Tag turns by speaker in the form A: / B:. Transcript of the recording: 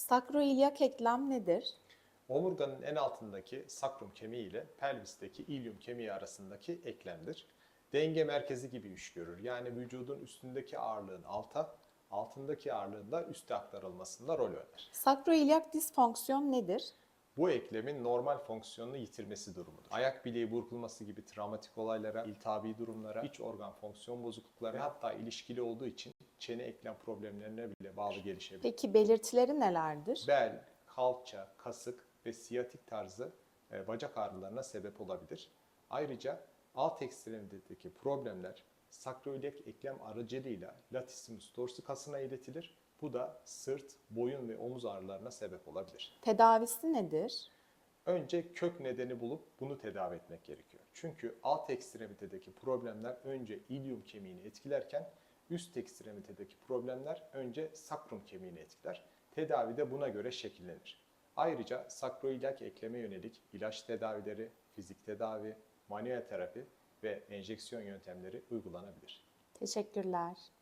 A: Sakroilyak eklem nedir?
B: Omurganın en altındaki sakrum kemiği ile pelvisteki ilium kemiği arasındaki eklemdir. Denge merkezi gibi iş görür. Yani vücudun üstündeki ağırlığın alta, altındaki ağırlığın da üste aktarılmasında rol oynar.
A: Sakroilyak disfonksiyon nedir?
B: Bu eklemin normal fonksiyonunu yitirmesi durumudur. Ayak bileği burkulması gibi travmatik olaylara, iltihabi durumlara, iç organ fonksiyon bozuklukları ve hatta ilişkili olduğu için çene eklem problemlerine bile bağlı gelişebilir.
A: Peki belirtileri nelerdir?
B: Bel, kalça, kasık ve siyatik tarzı bacak ağrılarına sebep olabilir. Ayrıca alt ekstremitedeki problemler sakroiliak eklem aracılığıyla latissimus dorsi kasına iletilir. Bu da sırt, boyun ve omuz ağrılarına sebep olabilir.
A: Tedavisi nedir?
B: Önce kök nedeni bulup bunu tedavi etmek gerekiyor. Çünkü alt ekstremitedeki problemler önce ilium kemiğini etkilerken üst ekstremitedeki problemler önce sakrum kemiğini etkiler. Tedavi de buna göre şekillenir. Ayrıca sakroiliak ekleme yönelik ilaç tedavileri, fizik tedavi, manuel terapi ve enjeksiyon yöntemleri uygulanabilir.
A: Teşekkürler.